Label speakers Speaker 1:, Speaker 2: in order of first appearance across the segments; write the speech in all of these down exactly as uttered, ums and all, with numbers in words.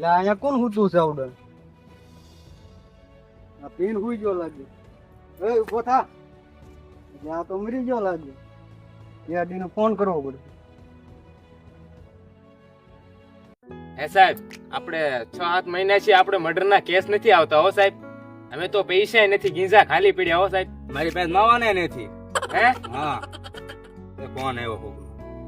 Speaker 1: અહીંયા કોણ હૂતું છે આવડે આ પીન હુઈ ગયો લાગે એ ઉભો થા આ તો મરી ગયો લાગે યાડીને ફોન કરવો પડે
Speaker 2: હે સાહેબ આપણે છ સાત મહિના છે આપણે મર્ડર ના કેસ નથી આવતા હો સાહેબ અમે તો પૈસા નથી ગીંજા ખાલી પડ્યા હો સાહેબ
Speaker 3: મારી પાસે માવાને નથી
Speaker 2: હે
Speaker 3: હા એ કોણ આવ્યો કોક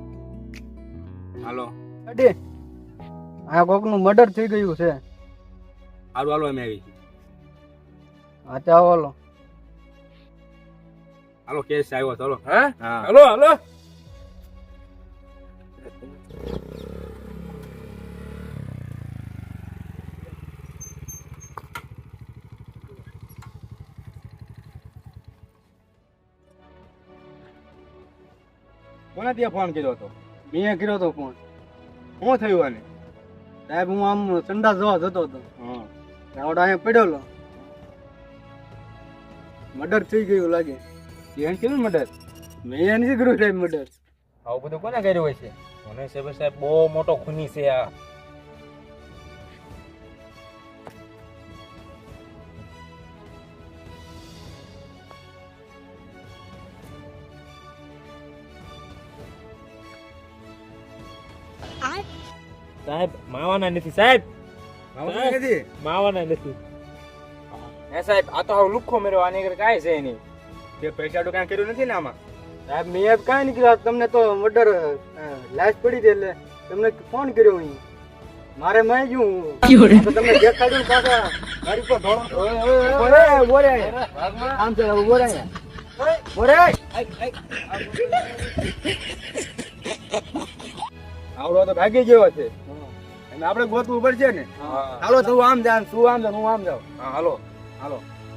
Speaker 3: હાલો
Speaker 1: અડે આ કોકનું મર્ડર થઈ ગયું છે
Speaker 3: હાલો હાલો અમે આવી
Speaker 1: હા ચાલો હાલો
Speaker 3: હાલો કેસ આવ્યો ચાલો
Speaker 2: હા
Speaker 3: હા
Speaker 2: હાલો હાલો
Speaker 3: કોને ત્યાં ફોન કર્યો હતો
Speaker 1: મેં કર્યો તો ફોન
Speaker 3: શું થયું આને
Speaker 1: સાહેબ હું આમ સંડાસ જોવા જતો હતો
Speaker 3: હા
Speaker 1: આવડે અહીંયા પડેલો મર્ડર થઈ ગયું લાગે
Speaker 3: એને કીધું મર્ડર
Speaker 1: મેં નથી કર્યું સાહેબ મર્ડર
Speaker 3: આવું બધું કોને કર્યું હોય છે
Speaker 2: મને સાહેબ સાહેબ બહુ મોટો ખૂની છે આ સાહેબ માવાના નથી સાહેબ
Speaker 3: માવાને નથી
Speaker 2: માવાના નથી હે સાહેબ આ તો હાવ લુખ્ખો મેરો આની આગળ કાંઈ છે નહીં
Speaker 3: તે પૈસા તો કાંઈ કર્યું નથી ને આમાં
Speaker 1: સાહેબ મેં કાંઈ નહીં કર્યું તમને તો મર્ડર લાશ પડી હતી એટલે તમને ફોન કર્યો અહીં મારે મેં ગયું તો તમને દેખાડ્યું પાછા ગાડી પર ધોળો બોરે બોરે આમ છે બોરે બોરે
Speaker 3: આવડો તો ભાગી ગયો છે અને આપણે ગોતવું પડશે ને હાલો તું આમ જા તું આમ જા હું આમ જાઉં હા હાલો હાલો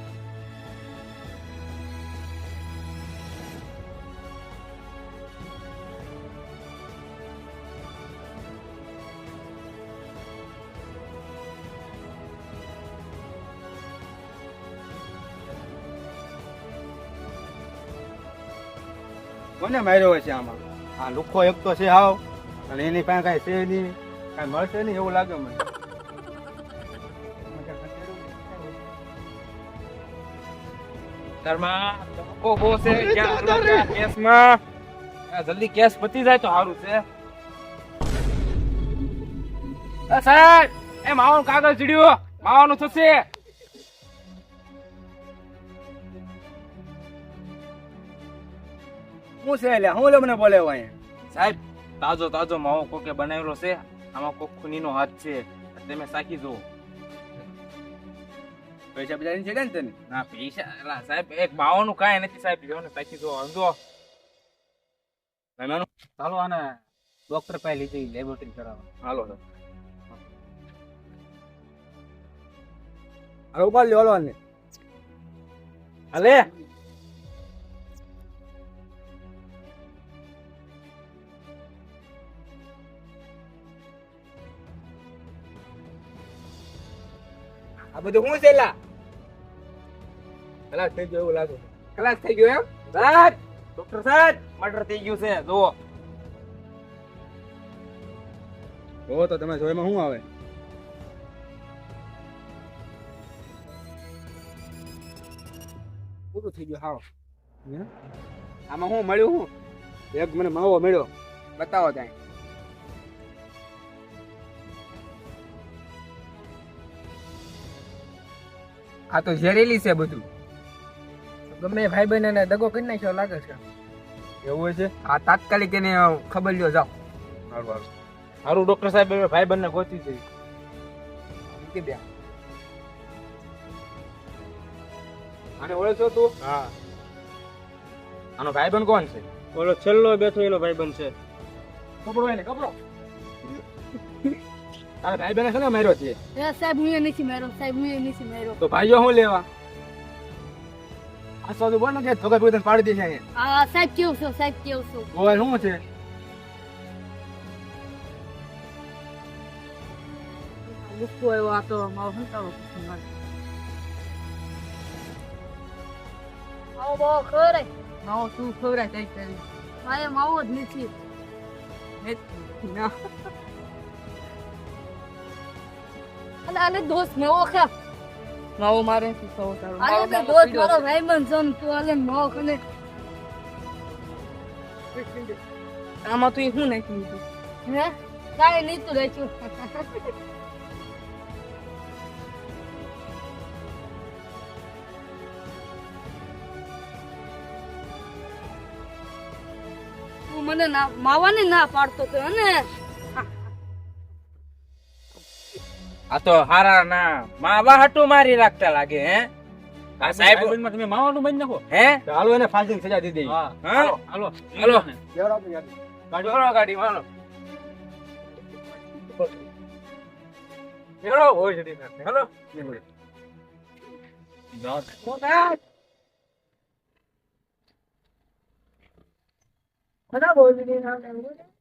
Speaker 3: કોને માર્યો છે આમાં આ લુખો એક તો છે હાવ અને એની પાસે કાંઈ છે નહીં કાંઈ મળશે નહીં એવું લાગે મને
Speaker 2: ઘરમાં ધક્કો બહુ છે ક્યાં હરવા કેસમાં આ જલ્દી કેસ પતી જાય તો સારું છે એ સાહેબ એ માવાનું કાગળ ચડ્યું માવાનું થશે
Speaker 3: શું છે એટલે હું લે મને બોલે અહીંયા
Speaker 2: સાહેબ તાજો તાજો માવો કોકે બનાવેલો છે આમાં કોક ખૂનીનો હાથ છે તમે સાકી જુઓ
Speaker 3: પૈસા બજાર છે ને તને
Speaker 2: ના પૈસા એલા સાહેબ એક માવાનું કાંઈ નથી સાહેબ લ્યો ને સાકી જુઓ સમજો
Speaker 3: મહેમાનો
Speaker 2: ચાલો આને ડોક્ટર પાસે લઈ જઈ લેબોરેટરી કરાવવા
Speaker 3: હાલો તો હાલો ઉપાડ લ્યો હાલો ને
Speaker 2: હાલે
Speaker 3: આ બધું શું છે લા કલાક થઈ ગયો એવું લાગે કલાક થઈ ગયો એમ
Speaker 2: સાહેબ ડોક્ટર સાહેબ મર્ડર થઈ ગયું છે જુઓ
Speaker 3: જો તો તમે જોઈમાં શું આવે પૂરું થઈ ગયું હાવ આમાં શું મળ્યું શું એક મને માવો મળ્યો બતાવો ત્યાં આ તો ઝેરેલી છે બધું
Speaker 1: ગમે ભાઈ બહેન ને દગો કરી નાખ્યો લાગે છે
Speaker 3: એવું હોય છે
Speaker 1: આ તાત્કાલિક એને ખબર લ્યો જાઓ
Speaker 3: સારું સારું
Speaker 2: સારું ડોક્ટર સાહેબ હવે ભાઈ બંને ગોતી જઈ
Speaker 1: કે બે
Speaker 3: આને ઓળખો તું
Speaker 2: હા આનો ભાઈબંધ કોણ છે
Speaker 3: ઓલો છેલ્લો બેઠો એલો ભાઈબંધ છે
Speaker 2: કપડો એને કપડો
Speaker 3: તારા ભાઈ બહેને છે ને માર્યો છે
Speaker 4: એ સાહેબ હું એ નથી માર્યો સાહેબ હું એ નથી માર્યો
Speaker 3: તો ભાઈઓ શું લેવા આ સાદું બોલ ને કે ધોકા પીને પાડી દેશે અહીંયા
Speaker 4: આ સાહેબ કેવું છો સાહેબ કેવું છો
Speaker 3: ઓય શું છે
Speaker 4: ગુસ્સો આવ્યો આ તો મારો સંતાડો માવો બહુ ખવડાય માવો તું ખવડાય કઈ કરી મારે માવો જ નથી ના અલે અલે દોસ્ત નવો ખા
Speaker 5: માવો મારે શું ખાવો તારો
Speaker 4: અલે
Speaker 5: માવો
Speaker 4: તો
Speaker 5: માવો
Speaker 4: દોસ્ત
Speaker 5: પીડ્યો
Speaker 4: મારો
Speaker 5: છે.
Speaker 4: ભાઈબંધ છે ને તું અલે નવો ખને
Speaker 5: આમાં તું શું નાખ્યું હતું?
Speaker 4: હે કાઈ નહીં તું રહેશું તું મને ના માવાની ના પાડતો તો ને
Speaker 6: આ તો હારા ના માવા હાટુ મારી રાખતા લાગે હે આ સાહેબ
Speaker 3: તમે માવાનું બંધ નાખો
Speaker 6: હે
Speaker 3: હાલો એને ફાંસીની સજા દીધી
Speaker 6: હા
Speaker 3: હાલો
Speaker 6: હાલો હાલો
Speaker 3: લેવડાવો તો યાર.
Speaker 6: ગાડી ગાડી માનો
Speaker 3: હેલો હોય છે હેલો
Speaker 4: બધા બોલ દીધી ના